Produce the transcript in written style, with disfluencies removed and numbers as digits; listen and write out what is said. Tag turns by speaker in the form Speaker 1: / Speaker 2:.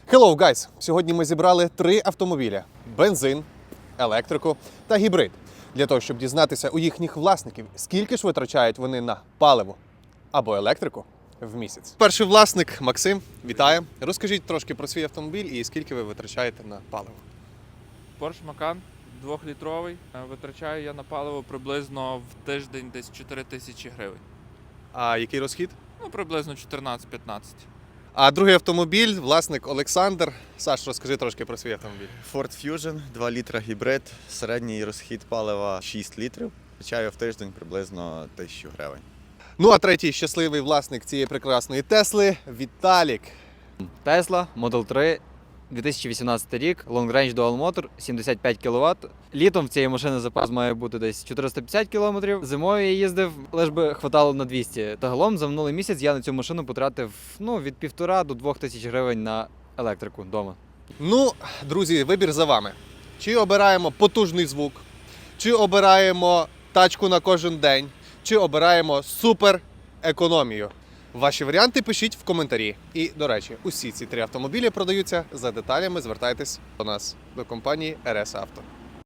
Speaker 1: Hello, guys! Сьогодні ми зібрали 3 автомобіля: бензин, електрику та гібрид. Для того, щоб дізнатися у їхніх власників, скільки ж витрачають вони на паливо або електрику в місяць. Перший власник Максим, вітаю. Розкажіть трошки про свій автомобіль і скільки ви витрачаєте на паливо.
Speaker 2: Porsche Macan 2-літровий. Витрачаю я на паливо приблизно в тиждень десь 4 тисячі гривень.
Speaker 1: А який розхід?
Speaker 2: Приблизно 14-15.
Speaker 1: А другий автомобіль, власник Олександр. Саш, розкажи трошки про свій автомобіль.
Speaker 3: Ford Fusion, 2 літра гібрид, середній розхід палива 6 літрів. Витрачаю в тиждень приблизно 1000 гривень.
Speaker 1: Ну а третій щасливий власник цієї прекрасної Тесли – Віталік.
Speaker 4: Tesla Model 3, 2018 рік, Long Range Dual Motor, 75 кВт. Літом в цієї машини запас має бути десь 450 км. Зимою я їздив, лиш би хватало на 200. Загалом за минулий місяць я на цю машину потратив від 1,5 до 2 тисяч гривень на електрику вдома.
Speaker 1: Ну, друзі, вибір за вами. Чи обираємо потужний звук, чи обираємо тачку на кожен день, чи обираємо супер економію. Ваші варіанти пишіть в коментарі. І, до речі, усі ці 3 автомобілі продаються. За деталями звертайтесь до нас, до компанії RS Auto.